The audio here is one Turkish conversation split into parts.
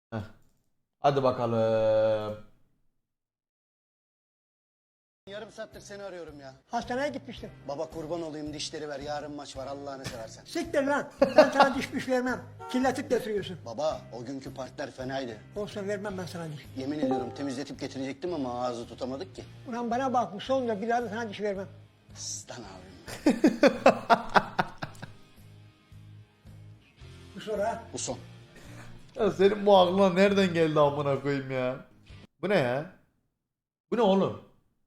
Heh. Hadi bakalım. Yarım saattir seni arıyorum ya. Hastaneye gitmiştim. Baba kurban olayım dişleri ver. Yarın maç var Allah'ını seversen. Siktir lan. Ben sana diş vermem. Kirletip getiriyorsun. Baba o günkü partiler fenaydı. Olsun vermem ben sana diş. Yemin ediyorum temizletip getirecektim ama ağzı tutamadık ki. Ulan bana bak bu sonunda bir daha da sana diş vermem. Stan abim. Bu sonra Bu son. Ya senin bu aklına nereden geldi amına koyayım ya? Bu ne ya? Bu ne oğlum?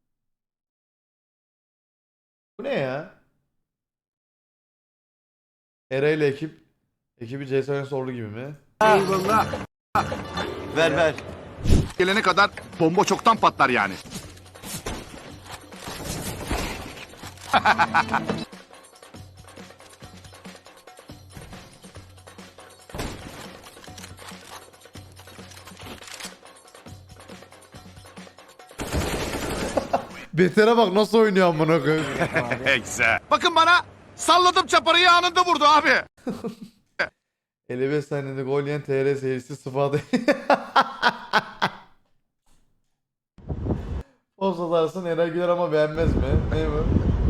Bu ne ya? Eray ile ekibi CS:GO sordu gibi mi? Ver. Gelene kadar bomba çoktan patlar yani. Beter'e bak nasıl oynuyor amına koyayım. Güzel. Bakın bana salladım çaparıyı anında vurdu abi. 55 saniyede gol yiyen TR seyircisi sıfadı. O satarsın Eray Güler ama beğenmez mi? Ne bu?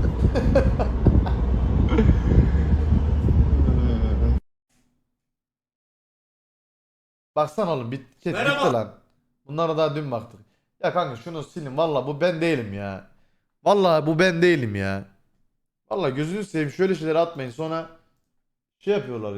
Baksana oğlum bitti lan. Bunlara daha dün baktık. Ya kanka şunu silin valla bu ben değilim ya. Valla bu ben değilim ya. Valla gözünü seveyim şöyle şeyler atmayın sonra şey yapıyorlar.